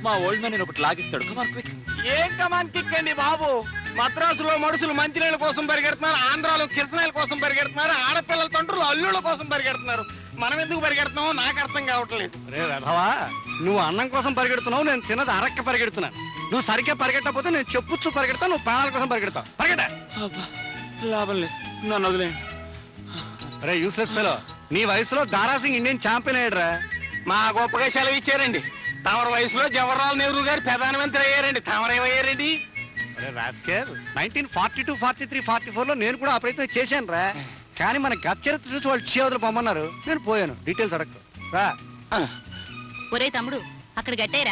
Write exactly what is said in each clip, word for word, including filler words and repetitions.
మా old man నేను ఒకటి లాగిస్తాడు. Come on quick. ఏం కమాన్ కిక్ అండి బాబు? మద్రాసులో మనుషులు మంచినీళ్ళ కోసం పరిగెడుతున్నారు, ఆంధ్రాలో కిరసనాయల కోసం పరిగెడుతున్నారు, ఆడపిల్లల తండ్రులు అల్లుళ్ళ కోసం పరిగెడుతున్నారు. మనం ఎందుకు పరిగెడుతున్నామో నాకు అర్థం కావట్లేదు. రే వెధవా, నువ్వు అన్నం కోసం పరిగెడుతున్నావు, నేను తినది అరక్క పరిగెడుతున్నాను. నువ్వు సరిగ్గా పరిగెట్టకపోతే నేను చెప్పుచ్చు పరిగెడతావు, నువ్వు ప్రాణాల కోసం పరిగెడతావు. పరిగెట. లాభం లేదు, నన్ను వదిలేయండి. రే యూస్లెస్ ఫెలో, నీ వయసులో దారాసింగ్ ఇండియన్ ఛాంపియన్ అయ్యాడురా. మా గొప్పగా సెలవు ఇచ్చారండి. తమర వయసులో జవహర్లాల్ నెహ్రూ గారు ప్రధానమంత్రి అయ్యారండి, తమరేమయ్యారండి? అరే rascal, nineteen forty two forty three forty four లో నేను కూడా ఆ ప్రయత్నం చేశాను రా. కానీ మన గత చరిత్ర చూసి వాళ్ళు చేవదలు పొమ్మన్నారు, నేను పోయాను. డీటెయిల్స్ అడగదు రా. ఒరే తమ్ముడు, అక్కడ గట్టేరా.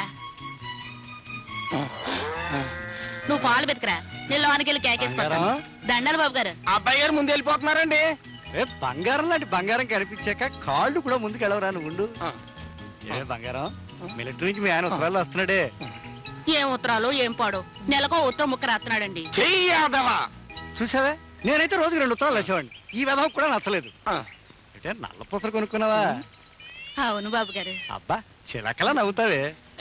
నువ్వు పాలు బతికరా, నేను లోనికి వెళ్ళి కేకేసుకుంటాను. దండాలి బాబు గారు. అబ్బాయి గారు ముందు వెళ్ళిపోతున్నారండి. ఏ బంగారం లాంటి బంగారం కనిపించాక కాళ్ళు కూడా ముందుకు వెళ్ళవరా నువ్వు ఉండు. ఏ బంగారం, మిలిటరీ నుంచి మీ ఆయన ఉత్తరాలు వస్తున్నాడే. ఏం ఉత్తరాలు ఏం పాడు, నెలకో ఉత్తరం ముక్క రాస్తున్నాడండి. చెయ్యాదవా చూసావే, నేనైతే రోజుకి రెండు ఉత్తరాలు వచ్చేవాడిని. ఈ విధం కూడా నచ్చలేదు. అంటే నల్ల పూసలు కొనుక్కున్నావా? అవును బాబు గారు. అబ్బా చిలకలా నవ్వుతావే.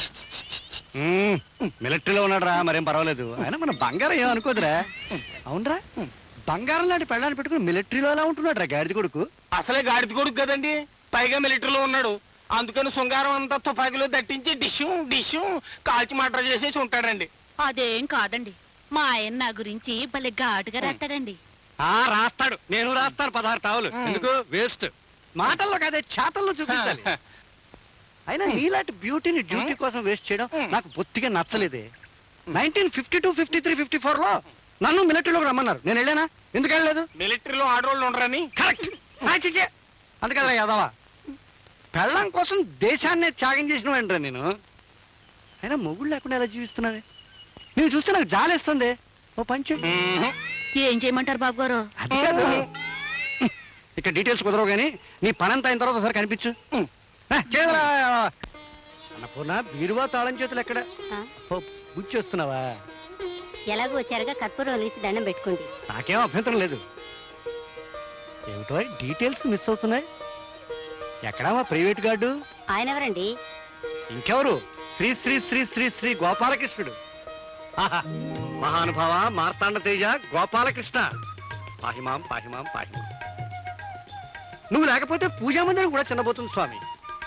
మిలిటరీలో ఉన్నాడు రా, మరేం పర్వాలేదు. అయినా మన బంగారం ఏమనుకోదురా. అవునరా, బంగారం లాంటి పెళ్ళాన్ని పెట్టుకుని మిలిటరీలో ఎలా ఉంటున్నాడు రా గాడిద కొడుకు. అసలే గాడిద కొడుకు కదండి, పైగా మిలిటరీలో ఉన్నాడు. అందుకని శృంగారం అంతా తుపాకీలో దట్టించి డిష్యూ డిష్యూ కాల్చి మటర్ చేసేసి ఉంటాడండి. అదేం కాదండి, మా ఆయన నా గురించి భలే ఘాటుగా రాస్తాడండి. ఆ రాస్తాడు, నేను రాస్తాను పదహారు తావులు. ఎందుకు వేస్ట్? మాటల్లో కాదే చేతల్లో చూపించాలి. అయినా నీలాంటి బ్యూటీని డ్యూటీ కోసం వేస్ట్ చేయడం నాకు బొత్తిగా నచ్చలేదే. Nineteen fifty two fifty three fifty four లో నన్ను మిలిటరీలోకి రమ్మన్నారు, నేను వెళ్ళానా? ఎందుకు వెళ్ళలేదు? మిలిటరీలో ఆడవాళ్ళు ఉండరని. కరెక్ట్. అందుకదా యాదవా, పెళ్ళం కోసం దేశాన్నే త్యాగం చేసిన వెంటరా నేను. అయినా మొగుడు లేకుండా ఎలా జీవిస్తున్నావే? నేను చూస్తే నాకు జాలేస్తుంది. ఓ పంచు ఏం చేయమంటారు బాబు గారు? అది కాదు, ఇక్కడ డీటెయిల్స్ కుదరవు కానీ నీ పనంతా అయిన తర్వాత ఒకసారి కనిపించు. చేదరా అన్నపూర్ణ, బీరువా తాళం చేతులు ఎక్కడ? బుచ్చి వస్తున్నావా? ఎలాగో వచ్చారుగా కర్పూరం వెలిగించి దండం పెట్టుకోండి. నాకేం అభ్యంతరం లేదు. ఏమిటో డీటెయిల్స్ మిస్ అవుతున్నాయి. ఎక్కడా మా ప్రైవేట్ గార్డు? ఆయన ఎవరండి? ఇంకెవరు, శ్రీ శ్రీ శ్రీ శ్రీ శ్రీ గోపాలకృష్ణుడు. మహానుభావ మార్తాండ తేజ గోపాలకృష్ణ, పాహిమాం పాహిమాం పాహిమాం. నువ్వు లేకపోతే పూజా మందిరం కూడా చిన్నబోతుంది స్వామి.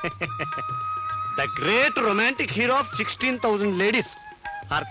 The great romantic hero of sixteen thousand ladies. హారతి.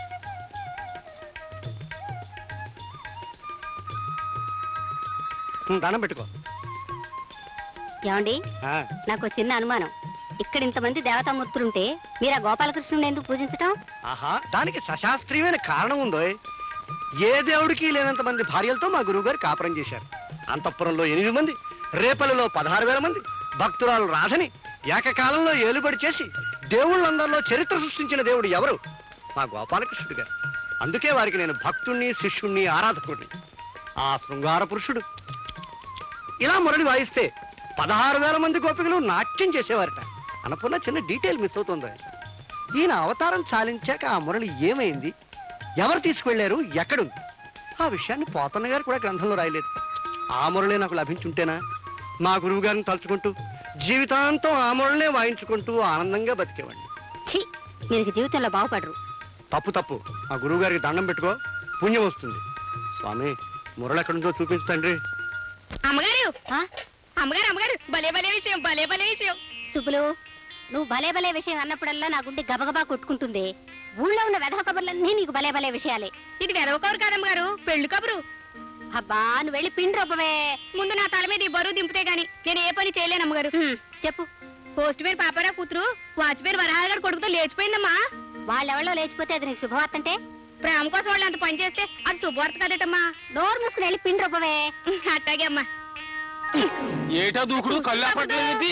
దండం పెట్టుకో. ఏమండి, నాకు చిన్న అనుమానం. ఇక్కడ ఇంతమంది దేవతామూర్తులుంటే మీరు ఆ గోపాలకృష్ణుని ఎందుకు పూజించటం? ఆహా, దానికి సశాస్త్రీయమైన కారణం ఉందో. ఏ దేవుడికి లేనంత మంది భార్యలతో మా గురువు గారు కాపురం చేశారు. అంతఃపురంలో ఎనిమిది మంది, రేపల్లిలో పదహారు వేల మంది, భక్తురాలు రాధని ఏకకాలంలో ఏలుబడి చేసి దేవుళ్ళందరిలో చరిత్ర సృష్టించిన దేవుడు ఎవరు? మా గోపాలకృష్ణుడు గారు. అందుకే వారికి నేను భక్తుణ్ణి, శిష్యుణ్ణి, ఆరాధకుడిని. ఆ శృంగార పురుషుడు ఇలా మురళి వాయిస్తే పదహారు వేల మంది గోపికలు నాట్యం చేసేవారట. అనుకున్న చిన్న డీటెయిల్ మిస్ అవుతుంది. ఈయన అవతారం చాలించాక ఆ మురళి ఏమైంది, ఎవరు తీసుకువెళ్లారు, ఎక్కడుంది, ఆ విషయాన్ని పోతన్న గారు కూడా గ్రంథంలో రాయలేదు. ఆ మురళి నాకు లభించుంటేనా మా గురువు గారిని తలుచుకుంటూ జీవితాంతం ఆ మురళినే వాయించుకుంటూ ఆనందంగా బతికేవాడిని. ఛీ, మీరు జీవితంలో బాగుపడరు. తప్పు తప్పు. మా గురువు గారికి దండం పెట్టుకో, పుణ్యం వస్తుంది. స్వామి, మురళి ఎక్కడుందో చూపించు తండ్రి. అమ్మగారు అమ్మగారు అమ్మగారు భలే భలే విషయం, భలే భలే విషయం. సుబ్బులు, నువ్వు భలే భలే విషయం అన్నప్పుడల్లా నా గుండె గబగబా కొట్టుకుంటుంది. ఊళ్ళో ఉన్న వెధవ కబుర్లన్నీ నీకు భలే భలే విషయాలే. ఇది వెధవ కబురు కాదమ్మగారు, పెళ్లి కబురు. అబ్బా, నువ్వు వెళ్ళి పిండి రొప్పవే. ముందు నా తల మీద ఈ బరువు దింపితే గాని నేను ఏ పని చేయలేను అమ్మగారు. చెప్పు. పోస్ట్ పేరు పాపారావు కూతురు వాచ్పేరు వరహాగారు కొడుకుతో లేచిపోయిందమ్మా. వాళ్ళెవళ్ళో లేచిపోతే అది నీకు శుభవార్త అంటే? ప్రేమ కోసం వాళ్ళు అంత పని చేస్తే అది శుభవార్త కదటమ్మా. నోరు మూసుకుని వెళ్ళి పిండి రొప్పవే. అట్టాగే అమ్మా. ఏటా దూకుడు, కళ్ళు అప్పట్లేదు.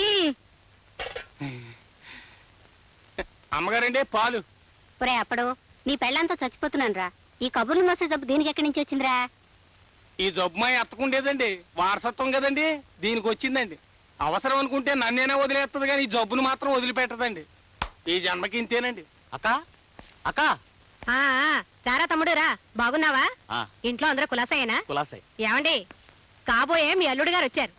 అమ్మగారండి పాలు. ఒరే అప్పుడు, నీ పెళ్ళంతా చచ్చిపోతున్నాను రా. ఈ కబుర్లు మోసే జబ్బు దీనికి ఎక్కడి నుంచి వచ్చిందిరా? ఈ జబ్బు మా ఎత్తకుండేదండి, వారసత్వం కదండి, దీనికి వచ్చిందండి. అవసరం అనుకుంటే నన్నేనే వదిలేస్తుంది కానీ ఈ జబ్బును మాత్రం వదిలిపెట్టదండి. ఈ జన్మకి ఇంతేనండి. అక్క అక్క రారా తమ్ముడు రా. బాగున్నావా? ఇంట్లో అందరూ కులాసాయేనా? కులాసాయి. ఏమండి, కాబోయే మీ అల్లుడు గారు వచ్చారు.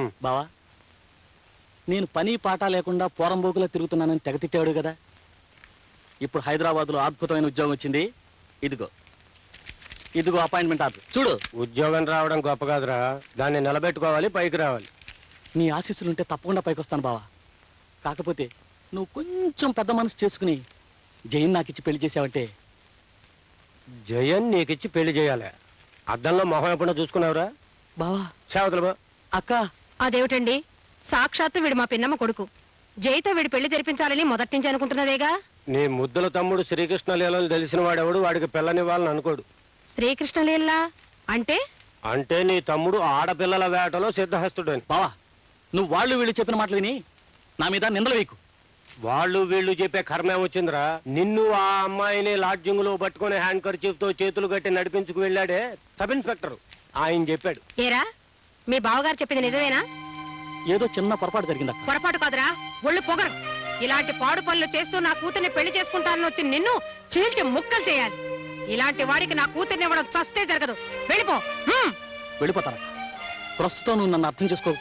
బావా, నేను పని పాట లేకుండా పోరంబోకులా తిరుగుతున్నానని తెగతిట్టాడు కదా. ఇప్పుడు హైదరాబాద్ లో అద్భుతమైన ఉద్యోగం వచ్చింది. ఇదిగో ఇదిగో అపాయింట్మెంట్ ఆర్డర్ చూడు. ఉద్యోగం రావడం గొప్ప కాదురా, దాన్ని నిలబెట్టుకోవాలి, పైకి రావాలి. నీ ఆశీస్సులుంటే తప్పకుండా పైకి వస్తాను బావా. కాకపోతే నువ్వు కొంచెం పెద్ద మనసు చేసుకుని జైన్ నాకిచ్చి పెళ్లి చేసావంటే. జయన్ నీకిచ్చి పెళ్లి చేయాలి. అద్దంలో మొహం ఎప్పుడో చూసుకున్నావురా? బావా సేవతలు బా. అక్క అదేమిటండి, సాక్షాత్తు వీడు మా పిన్నమ్మ కొడుకు. జైతో వీడి పెళ్లి జరిపించాలని మొదటి నుంచి అనుకుంటున్నదేగా. నీ ముద్దుల తమ్ముడు శ్రీకృష్ణ లీలలు తెలిసిన వాడెవడు వాడికి పిల్లనివ్వాలని అనుకోడు. శ్రీకృష్ణలీలా అంటే? అంటే నీ తమ్ముడు ఆడపిల్లల వేటలో సిద్ధహస్తుడని. బావా నువ్వు వాళ్ళు వీళ్ళు చెప్పిన మాటలు విని నా మీద నిందలు వేయకు. వాళ్ళు వీళ్ళు చెప్పే కర్మే వచ్చిందిరా. నిన్ను ఆ అమ్మాయిని లాడ్జింగ్ లో పట్టుకుని హ్యాండ్ కర్చీఫ్ తో చేతులు కట్టి నడిపించుకు వెళ్ళాడే సబ్ ఇన్స్పెక్టర్, ఆయన చెప్పాడు. ఏరా మీ బావగారు చెప్పింది నిజమేనా? ఏదో చిన్న పొరపాటు జరిగిందక్క. పొరపాటు కాదురా, ఒళ్ళు పొగరు. ఇలాంటి పాడు పనులు చేస్తూ నా కూతుర్ని పెళ్లి చేసుకుంటానని వచ్చి నిన్ను చీల్చి ముక్కలు చేయాలి. ఇలాంటి వాడికి నా కూతుర్ని ఇవ్వడం చస్తే జరగదు. వెళ్ళిపో. వెళ్ళిపోతానక్క. ప్రస్తుతం నువ్వు నన్ను అర్థం చేసుకో.